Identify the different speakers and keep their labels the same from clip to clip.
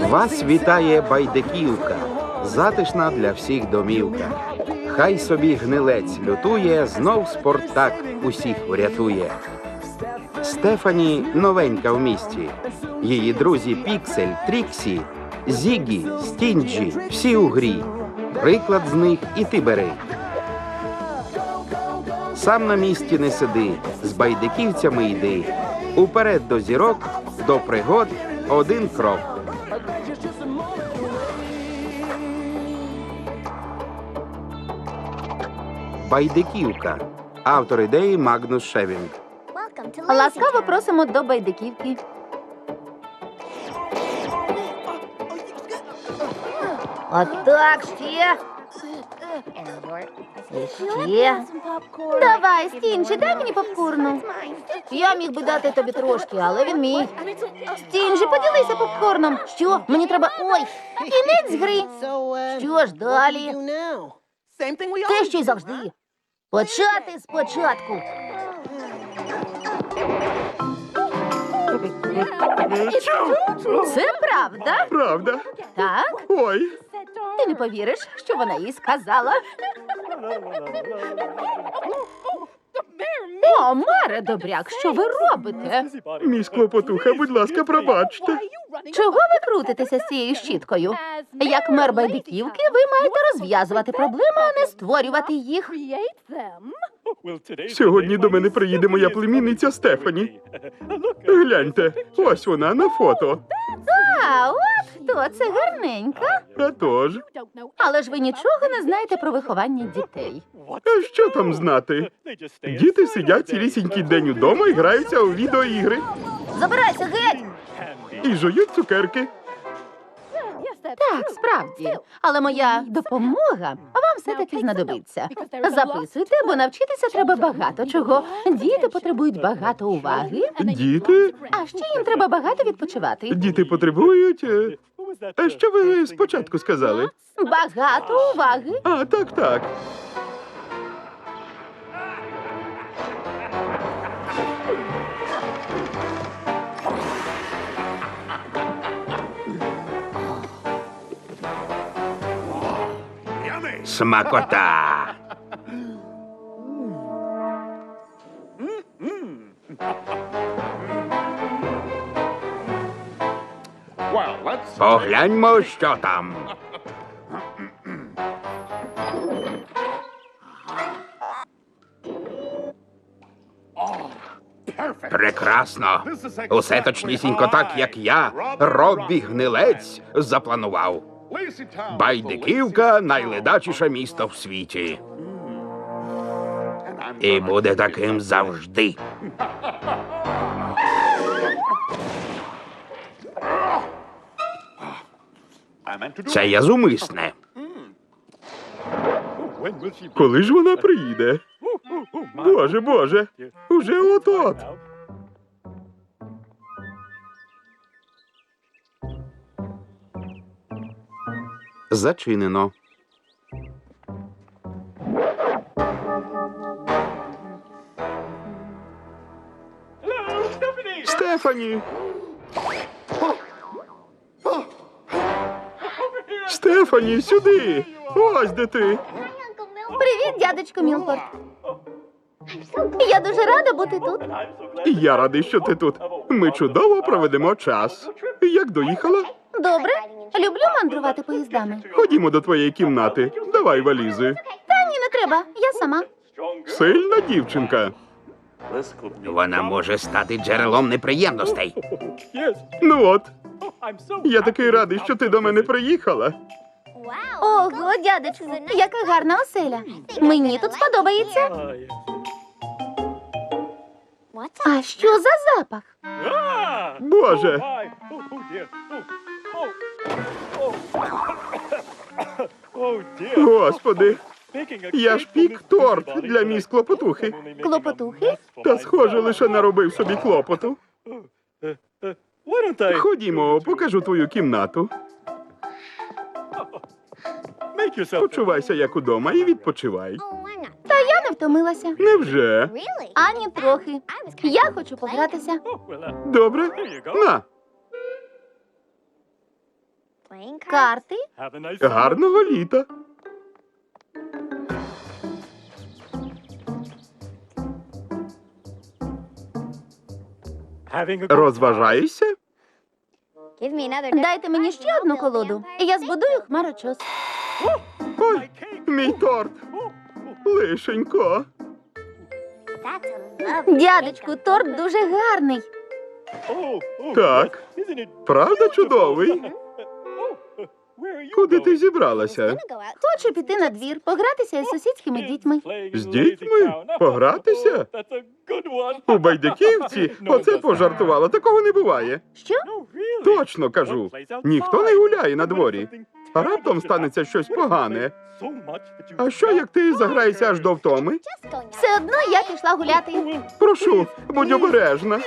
Speaker 1: Вас вітає Байдиківка, затишна для всіх домівка. Хай собі гнилець лютує, знов Спартак усіх врятує. Стефані новенька в місті. Її друзі Піксель, Тріксі, Зігі, Стінджі – всі у грі. Приклад з них і ти бери. Сам на місці не сиди, з байдиківцями йди. Уперед до зірок, до пригод один крок. Байдиківка. Автор ідеї Магнус Шевінг.
Speaker 2: Ласкаво просимо до Байдиківки.
Speaker 3: Отак ще. Ще.
Speaker 2: Давай, Стінджі, дай мені попкорну.
Speaker 3: Я міг би дати тобі трошки, але він мій.
Speaker 2: Стінджі, поділися попкорном.
Speaker 3: Що? Мені треба... Ой!
Speaker 2: Кінець гри.
Speaker 3: Що ж далі? Те, що й завжди. Почати спочатку.
Speaker 2: Це правда?
Speaker 1: Правда?
Speaker 2: Так?
Speaker 1: Ой.
Speaker 2: Ти не повіриш, що вона їй сказала. О, Маре Добряк, що ви робите?
Speaker 1: Міс Клопотуха, будь ласка, пробачте.
Speaker 2: Чого ви крутитеся з цією щіткою? Як мер Байдиківки, ви маєте розв'язувати проблеми, а не створювати їх.
Speaker 1: Сьогодні до мене приїде моя племінниця Стефані. Гляньте, ось вона на фото.
Speaker 2: А, от хто це гарненька.
Speaker 1: А тож,
Speaker 2: Але ж ви нічого не знаєте про виховання дітей.
Speaker 1: а що там знати? Діти сидять цілісінький день удома і граються у відеоігри.
Speaker 3: Забирайся геть!
Speaker 1: І жують цукерки.
Speaker 2: Так, справді. Але моя допомога вам все-таки знадобиться. Записуйте, бо навчитися треба багато чого. Діти потребують багато уваги,
Speaker 1: Діти?
Speaker 2: а ще їм треба багато відпочивати.
Speaker 1: Діти потребують... А що ви спочатку сказали?
Speaker 2: Багато уваги.
Speaker 1: А, так, так. Смакота! Погляньмо, що там. Прекрасно. Усе точнісінько так, як я, Роббі Гнилець, запланував. Байдиківка – найледачіше місто в світі. І буде таким завжди. Це я зумисне. Коли ж вона приїде? Боже, Боже, уже от-от. Зачинено. Стефані! Стефані, сюди! Ось де ти!
Speaker 2: Привіт, дядечко Мілфорд. Я дуже рада бути тут.
Speaker 1: Я радий, що ти тут. Ми чудово проведемо час. Як доїхала?
Speaker 2: Добре. Люблю мандрувати поїздами.
Speaker 1: Ходімо до твоєї кімнати. Давай валізи.
Speaker 2: Та ні, не треба. Я сама.
Speaker 1: Сильна дівчинка. Вона може стати джерелом неприємностей. Ну от, я такий радий, що ти до мене приїхала.
Speaker 2: Ого, дядечко, яка гарна оселя. Мені тут сподобається. А що за запах?
Speaker 1: Боже, господи, я ж пік торт для міс Клопотухи.
Speaker 2: Клопотухи?
Speaker 1: Та схоже, лише наробив собі клопоту. Ходімо, покажу твою кімнату. Почувайся як удома і відпочивай.
Speaker 2: Та я не втомилася.
Speaker 1: Невже?
Speaker 2: Ані трохи. Я хочу погратися.
Speaker 1: Добре? На.
Speaker 2: Карти?
Speaker 1: Гарного літа. Розважаєшся?
Speaker 2: Дайте мені ще одну колоду, і я збудую хмарочос.
Speaker 1: Ой, мій торт. Лишенько.
Speaker 2: Дядечку, торт дуже гарний.
Speaker 1: Так, правда чудовий? Куди ти зібралася?
Speaker 2: Хочу піти на двір, погратися із сусідськими дітьми.
Speaker 1: З дітьми? Погратися? У Байдиківці? Оце пожартувала, такого не буває.
Speaker 2: Що?
Speaker 1: Точно кажу. Ніхто не гуляє на дворі. А раптом станеться щось погане. А що, як ти заграєшся аж до втоми?
Speaker 2: Все одно я пішла гуляти.
Speaker 1: Прошу, будь обережна.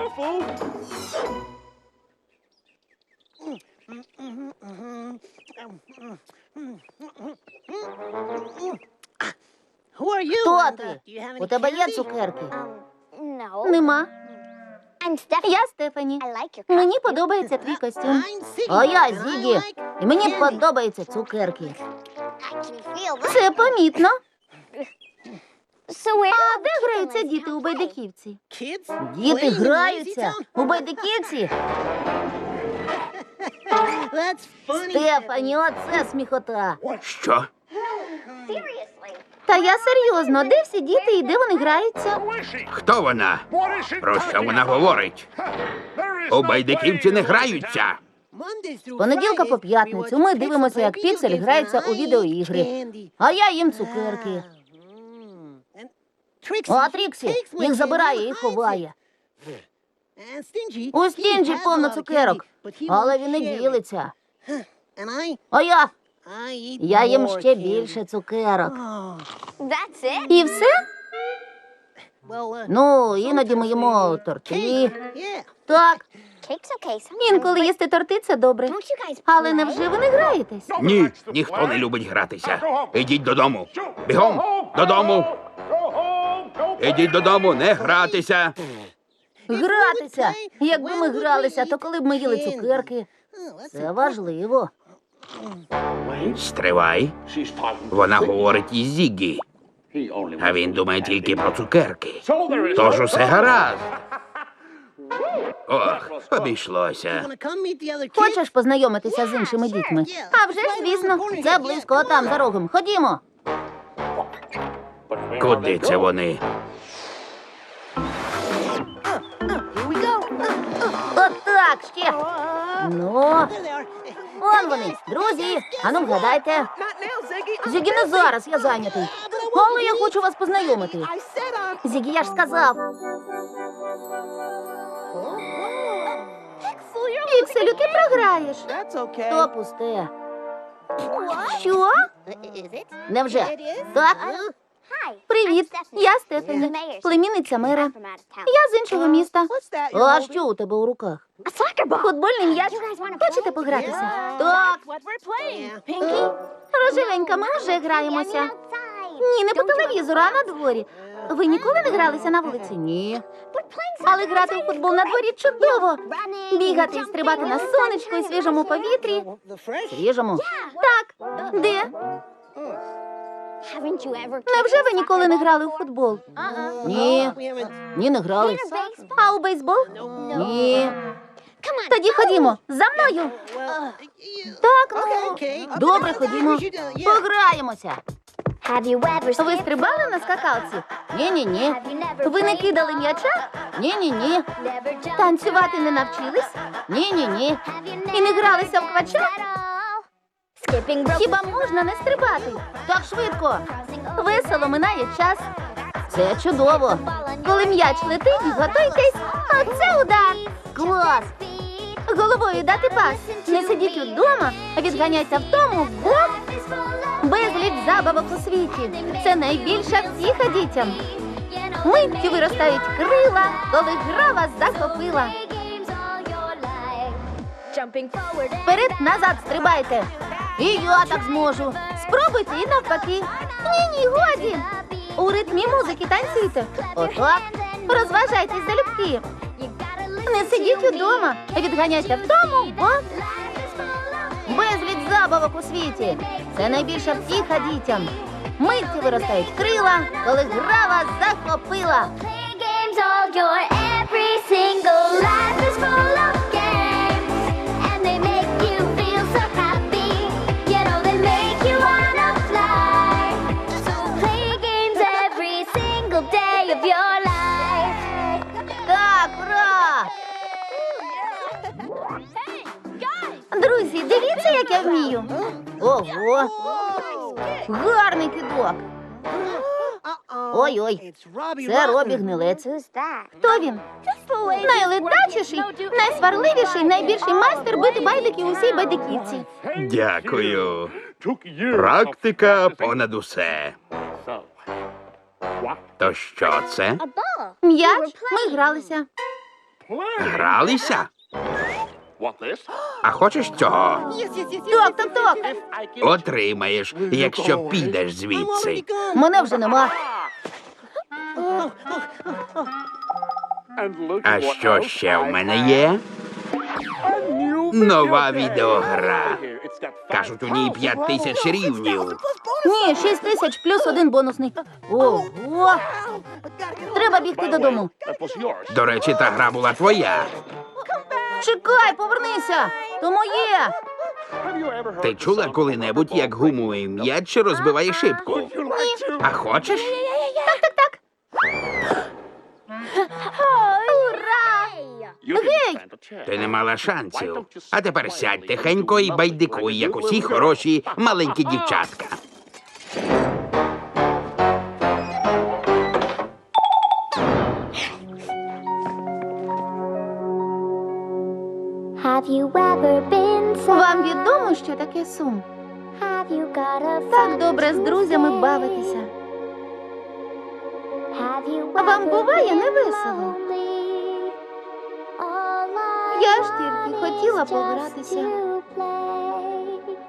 Speaker 3: Хто ти? У тебе є цукерки?
Speaker 2: Нема. Я Стефані. Мені подобається твій костюм.
Speaker 3: А я Зігі. І мені подобаються цукерки.
Speaker 2: Це помітно. А де граються діти у Байдиківці?
Speaker 3: Діти граються у байдиківці. Стефані, оце сміхота.
Speaker 1: Що?
Speaker 2: Та я серйозно, де всі діти і де вони граються?
Speaker 1: Хто вона? Про що вона говорить? У Байдиківці не граються.
Speaker 3: З понеділка по п'ятницю ми дивимося, як Піксель грається у відеоігри. А я їм цукерки. А Тріксі їх забирає і ховає. У Стінджі повно цукерок, але він не ділиться. А я їм ще більше цукерок.
Speaker 2: І все?
Speaker 3: Ну, іноді ми їмо торти. Так,
Speaker 2: Інколи їсти торти – це добре. Але невже ви не граєтесь?
Speaker 1: Ні, ніхто не любить гратися. Ідіть додому. Бігом, додому. Ідіть додому, не гратися.
Speaker 3: гратися. Якби ми гралися, то коли б ми їли цукерки. Це важливо.
Speaker 1: Стривай. Вона говорить із Зіггі. А він думає тільки про цукерки. Тож усе гаразд. Ох, обійшлося.
Speaker 3: Хочеш познайомитися з іншими дітьми?
Speaker 2: А вже ж, звісно.
Speaker 3: Це близько, там за рогом. Ходімо.
Speaker 1: Куди це вони?
Speaker 3: Отак ще. Ну, вон вони, друзі. Ану, вгадайте. Зігі, не зараз, я зайнятий. Але я хочу вас познайомити. Зігі, я ж сказав.
Speaker 2: Пікселю, ти програєш.
Speaker 3: То пусте.
Speaker 2: Що?
Speaker 3: Невже? Так?
Speaker 2: Привіт, я Стефані, племінниця мера. Я з іншого міста.
Speaker 3: А що у тебе у руках?
Speaker 2: Футбольний м'яч. Хочете погратися?
Speaker 3: Так.
Speaker 2: Рожевенька, ми вже граємося. Ні, не по телевізору, а на дворі. Ви ніколи не гралися на вулиці?
Speaker 3: Ні.
Speaker 2: Але грати у футбол на дворі чудово. Бігати і стрибати на сонечку і свіжому повітрі.
Speaker 3: Свіжому?
Speaker 2: Так, де? Невже ви ніколи не грали у футбол?
Speaker 3: Ні. Ні, не грали.
Speaker 2: А у бейсбол?
Speaker 3: Ні.
Speaker 2: Тоді ходімо, за мною. Так, ну.
Speaker 3: Добре, ходімо. Пограємося.
Speaker 2: Ви стрибали на скакалці?
Speaker 3: Ні-ні-ні.
Speaker 2: Ви не кидали м'яча?
Speaker 3: Ні-ні-ні.
Speaker 2: Танцювати не навчились?
Speaker 3: Ні-ні-ні.
Speaker 2: І не гралися в квача? Хіба можна не стрибати?
Speaker 3: Так швидко.
Speaker 2: Весело минає час.
Speaker 3: Це чудово.
Speaker 2: Коли м'яч летить, готуйтесь. Оце удар.
Speaker 3: Клас.
Speaker 2: Головою дати пас. Не сидіть вдома, відганяйся втому, бо безліч забавок у світі. Це найбільша втіха дітям. Миттю виростають крила, коли гра вас захопила. Вперед-назад стрибайте.
Speaker 3: І я так зможу.
Speaker 2: Спробуйте і навпаки. Ні, годі. У ритмі музики танцюйте.
Speaker 3: Отак.
Speaker 2: Розважайтесь залюбки. Не сидіть удома, відганяйте вдому, бо
Speaker 3: забавок у світі. Це найбільша втіха дітям. Митці виростають крила, коли гра вас захопила.
Speaker 4: Playing games all your every single life is full of games, and they make you feel so happy. You know they make you wanna fly. So play games every single day of your life.
Speaker 3: Так, ура!
Speaker 2: Друзі, дивіться, як я вмію.
Speaker 3: Ого! Гарний кидок. Ой-ой, це Робі Гнилець.
Speaker 2: Хто він? Найледачіший, найсварливіший, найбільший майстер бити байдики у всій байдиківці.
Speaker 1: Дякую. Практика понад усе. То що це?
Speaker 2: М'яч, ми гралися.
Speaker 1: Гралися? А хочеш цього?
Speaker 3: Так.
Speaker 1: Отримаєш, якщо підеш звідси.
Speaker 3: Мене вже нема.
Speaker 1: А що ще в мене є? Нова відеогра. Кажуть, у ній 5000 рівнів.
Speaker 3: Ні, 6000 плюс 1 бонусний. Ого! Треба бігти додому.
Speaker 1: До речі, та гра була твоя.
Speaker 3: Чекай, повернися! То моє!
Speaker 1: Ти чула коли-небудь, як гумовий м'яч розбиває шибку? А хочеш?
Speaker 2: Гей!
Speaker 1: Ти не мала шансів. А тепер сядь тихенько і байдикуй, як усі хороші маленькі дівчатка.
Speaker 4: Have you ever been sad?
Speaker 2: Вам відомо, що таке сум?
Speaker 4: Have you got a
Speaker 2: Так
Speaker 4: friend
Speaker 2: добре з
Speaker 4: to
Speaker 2: друзями
Speaker 4: say?
Speaker 2: бавитися.
Speaker 4: Have you
Speaker 2: А вам
Speaker 4: ever
Speaker 2: буває
Speaker 4: been
Speaker 2: невесело?
Speaker 4: lonely? All I
Speaker 2: Я ж
Speaker 4: want
Speaker 2: тільки
Speaker 4: is
Speaker 2: хотіла
Speaker 4: just
Speaker 2: погратися.
Speaker 4: to play.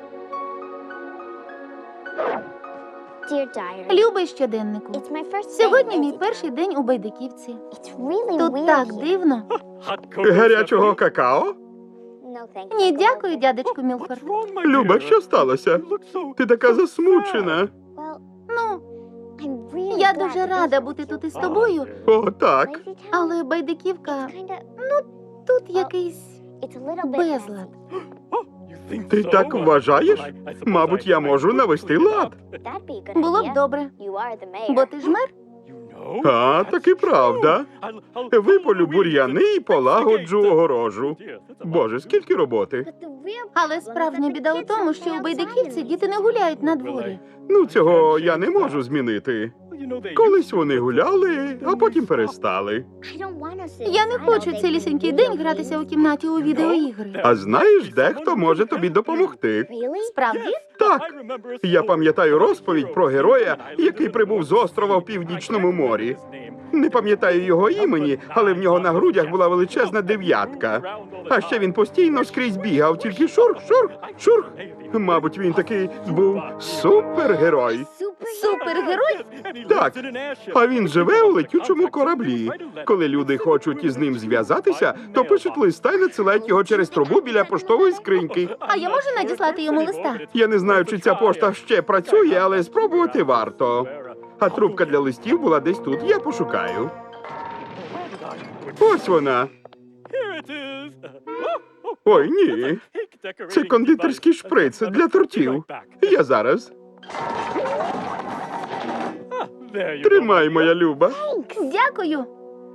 Speaker 4: Dear diary,
Speaker 2: Любий щоденнику.
Speaker 4: it's my first
Speaker 2: Сьогодні
Speaker 4: day
Speaker 2: мій
Speaker 4: visiting.
Speaker 2: перший день у байдиківці.
Speaker 4: It's really
Speaker 2: Тут
Speaker 4: weird
Speaker 2: так
Speaker 4: here.
Speaker 2: дивно.
Speaker 5: Гарячого какао?
Speaker 4: No, thank you.
Speaker 2: Ні, дякую, дядечку Мілфорд.
Speaker 5: Люба, що сталося? Ти така засмучена.
Speaker 4: Well,
Speaker 2: Ну,
Speaker 4: I'm really
Speaker 2: я
Speaker 4: glad
Speaker 2: дуже
Speaker 4: to
Speaker 2: рада
Speaker 4: visit
Speaker 2: бути
Speaker 4: you.
Speaker 2: тут із тобою,
Speaker 5: О, так.
Speaker 4: Lazy town
Speaker 2: але байдиківка,
Speaker 4: is kinda-
Speaker 2: тут якийсь
Speaker 4: it's a little bit
Speaker 2: безлад.
Speaker 5: Ти так вважаєш? Мабуть, я можу навести лад.
Speaker 4: messy. That'd be a good
Speaker 2: Було б
Speaker 4: idea.
Speaker 2: добре,
Speaker 4: You are the mayor.
Speaker 2: бо ти ж мер.
Speaker 5: А, таки правда. Виполю бур'яни і полагоджу огорожу. Боже, скільки роботи.
Speaker 4: But the real
Speaker 2: Але справжня біда у тому, що у байдиківці діти не гуляють на дворі.
Speaker 5: Ну, цього я не можу змінити. Колись вони гуляли, а потім перестали.
Speaker 4: I don't wanna sit
Speaker 2: Я не
Speaker 4: inside
Speaker 2: хочу
Speaker 4: all day
Speaker 2: цілісінький
Speaker 4: playing
Speaker 2: день
Speaker 4: video
Speaker 2: гратися у
Speaker 4: games.
Speaker 2: кімнаті у відеоігри.
Speaker 5: А знаєш, дехто може тобі допомогти.
Speaker 4: Really?
Speaker 2: Справді?
Speaker 5: Так, я пам'ятаю розповідь про героя, який прибув з острова в Північному морі. Не пам'ятаю його імені, але в нього на грудях була величезна дев'ятка. А ще він постійно скрізь бігав, тільки шурх, шурх, шурх. Мабуть, він такий був супергерой.
Speaker 2: Супергерой?
Speaker 5: Так, а він живе у летючому кораблі. Коли люди хочуть із ним зв'язатися, то пишуть листа і надсилають його через трубу біля поштової скриньки.
Speaker 2: А я можу надіслати йому листа?
Speaker 5: Я не знаю, чи ця пошта ще працює, але спробувати варто. А трубка для листів була десь тут. Я пошукаю. Ось вона. Ой, ні. Це кондитерський шприц для тортів. Я зараз. Тримай, моя люба.
Speaker 2: Дякую.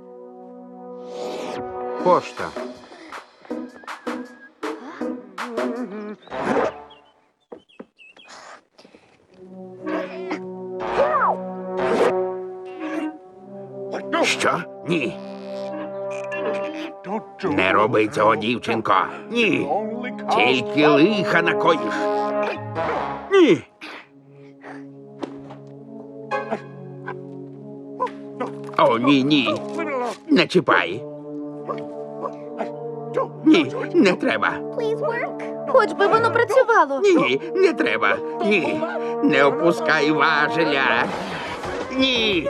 Speaker 1: Пошта. Що? Ні. Не роби цього, дівчинко. Ні. Тільки лиха накоїш. Ні. О, ні, ні. Не чіпай. Ні, не треба.
Speaker 4: Please work.
Speaker 2: Хоч би воно працювало.
Speaker 1: Ні, не треба. Ні. Не опускай важеля. Ні.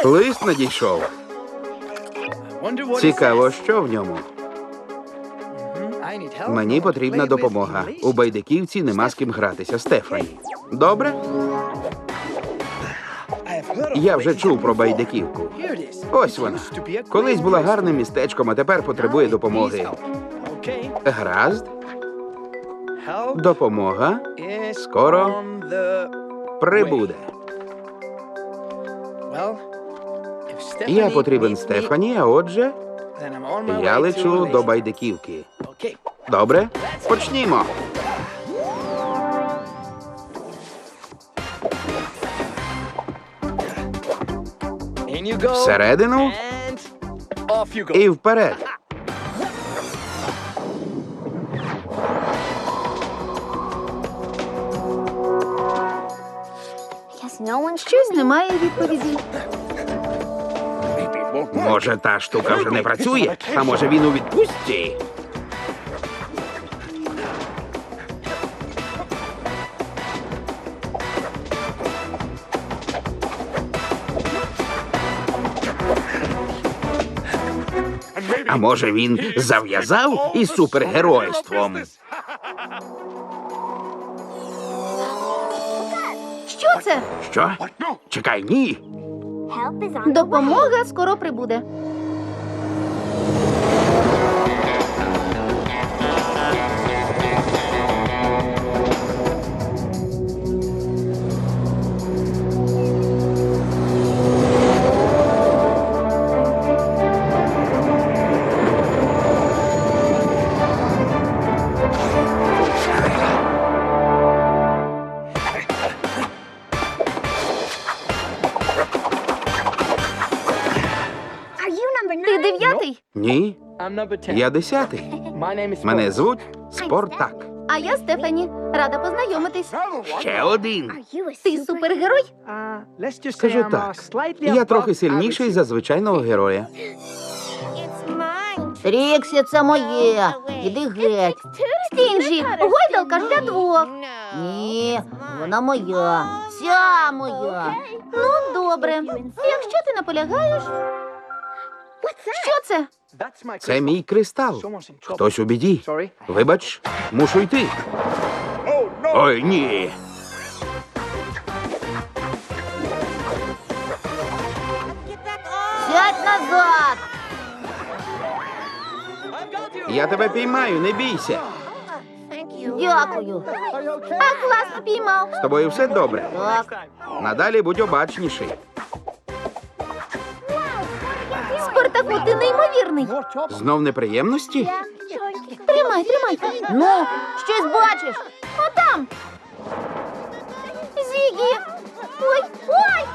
Speaker 1: Лист надійшов. Цікаво, що в ньому. Мені потрібна допомога. У байдиківці нема з ким гратися. Стефані. Добре? Я вже чув про байдиківку. Ось вона. Колись була гарним містечком, а тепер потребує допомоги. Гаразд. Допомога скоро прибуде. Я потрібен Стефані, а отже, я лечу до байдиківки. Добре? Почнімо. Всередину і вперед.
Speaker 2: Щось немає відповіді.
Speaker 1: Може, та штука вже не працює, а може він у відпустці? А може він зав'язав із супергеройством?
Speaker 2: Що це?
Speaker 1: Що? Чекай, ні.
Speaker 2: Допомога скоро прибуде. Ти 9-й,
Speaker 1: Ні, я 10-й. Мене звуть Спортак.
Speaker 2: а я Стефані. Рада познайомитись.
Speaker 1: Ще один.
Speaker 2: Ти супергерой?
Speaker 1: Скажу так, я трохи сильніший за звичайного героя.
Speaker 3: Тріксі, це моє. Іди геть.
Speaker 2: Стінджі, гойдалка ж для двох.
Speaker 3: Ні, вона моя. Вся моя.
Speaker 2: Ну, добре. Якщо ти наполягаєш. Що це?
Speaker 1: Це мій кристал. Хтось у біді. Вибач, мушу йти. Ой, ні.
Speaker 3: Сядь назад.
Speaker 1: Я тебе піймаю, не бійся.
Speaker 3: Дякую.
Speaker 2: А класно піймав.
Speaker 1: З тобою все добре.
Speaker 3: Так.
Speaker 1: Надалі будь обачніший.
Speaker 2: Спартаку, ти неймовірний.
Speaker 1: Знов неприємності?
Speaker 2: Тримай.
Speaker 3: Ну, щось бачиш?
Speaker 2: Отам. Зігі. Ой.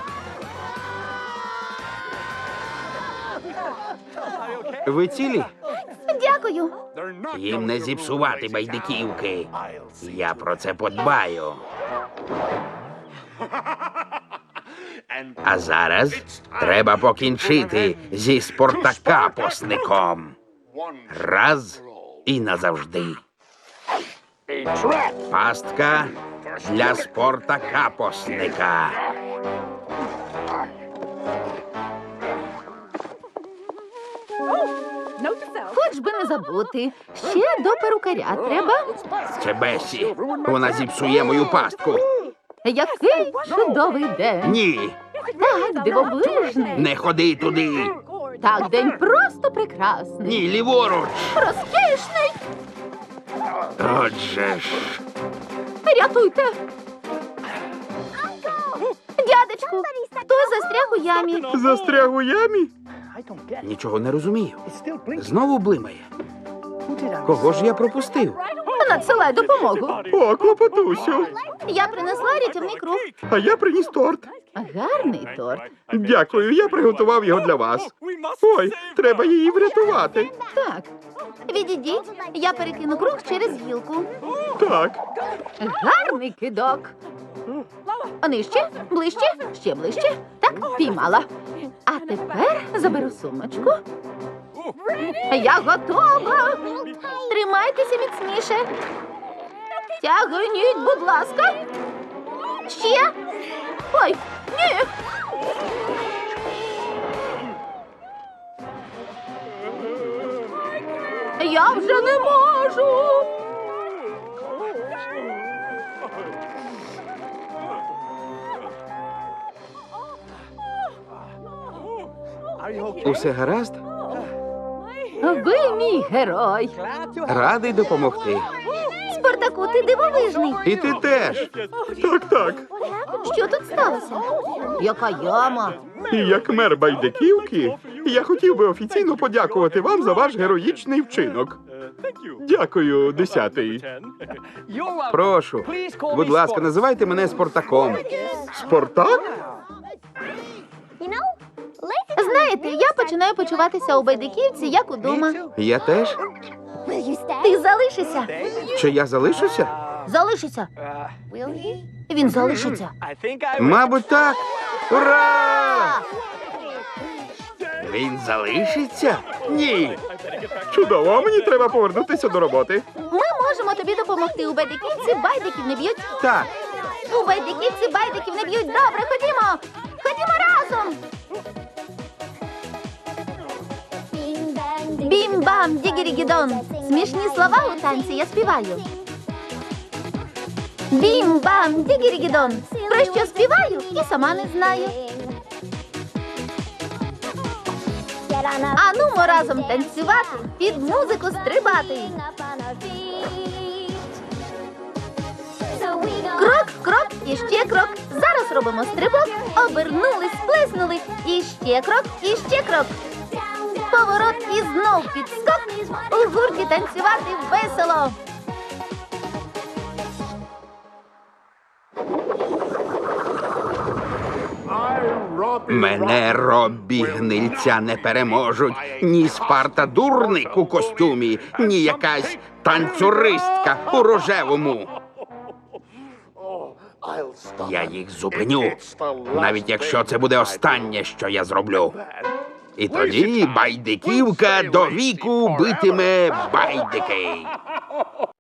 Speaker 1: Ви цілі?
Speaker 2: Дякую.
Speaker 1: Їм не зіпсувати байдиківки. Я про це подбаю. А зараз треба покінчити зі спортакапосником. Раз і назавжди. Пастка для спортакапосника.
Speaker 2: Хоч би не забути. Ще до перукаря треба.
Speaker 1: Це Бесі. Вона зіпсує мою пастку.
Speaker 2: Який чудовий день.
Speaker 1: Ні,
Speaker 2: Так, дивовижний.
Speaker 1: не ходи туди.
Speaker 2: Так, день просто прекрасний.
Speaker 1: Ні, ліворуч.
Speaker 2: Розкішний.
Speaker 1: Отже ж.
Speaker 2: Рятуйте. Дядечку, хтось застряг у ямі.
Speaker 5: Застряг у ямі?
Speaker 1: Нічого не розумію. Знову блимає. Кого ж я пропустив?
Speaker 2: Надсилай допомогу.
Speaker 5: О, клопотусю.
Speaker 2: Я принесла рятівний круг.
Speaker 5: А я приніс торт.
Speaker 2: Гарний торт.
Speaker 5: Дякую, я приготував його для вас. Ой, треба її врятувати.
Speaker 2: Так. Відійдіть, я перекину круг через гілку.
Speaker 5: Так.
Speaker 2: Гарний кидок. Нижче, ближче, ще ближче. Так, піймала. А тепер заберу сумочку. Я готова. Тримайтеся міцніше. Тягніть, будь ласка. Ще. Ой, ні.
Speaker 1: Усе гаразд?
Speaker 3: Ви мій герой.
Speaker 1: Радий допомогти.
Speaker 2: Спартаку, ти дивовижний.
Speaker 1: І ти теж.
Speaker 5: Так.
Speaker 2: Що тут сталося?
Speaker 3: Яка яма.
Speaker 5: І як мер Байдиківки, я хотів би офіційно подякувати вам за ваш героїчний вчинок. Дякую, 10-й.
Speaker 1: Прошу. Будь ласка, називайте мене Спартаком.
Speaker 5: Спартак?
Speaker 2: Знаєте, я починаю почуватися у Байдиківці, як удома.
Speaker 1: Я теж?
Speaker 2: Ти залишишся.
Speaker 1: Чи я залишуся?
Speaker 3: Залишиться. Він залишиться.
Speaker 1: Мабуть, так. Ура! Він залишиться? Ні.
Speaker 5: Чудово, а мені треба повернутися до роботи.
Speaker 2: Ми можемо тобі допомогти. У Байдиківці байдиків не б'ють.
Speaker 1: Так.
Speaker 2: У Байдиківці байдиків не б'ють. Добре, ходімо. Ходімо разом. Бім-бам, дігірі-гідон. Смішні слова у танці я співаю. Бім-бам, дігірі-гідон. Про що співаю і сама не знаю. Анумо разом танцювати, під музику стрибати. Крок, крок і ще крок. Зараз робимо стрибок. Обернули, сплеснули. І ще крок, і ще крок. Поворот і знов підскок. У гурті танцювати весело.
Speaker 1: Мене Роббі гнильця не переможуть. Ні Спарта дурник у костюмі, ні якась танцюристка у рожевому. Я їх зупиню, навіть якщо це буде останнє, що я зроблю. І тоді Байдиківка до віку битиме байдики.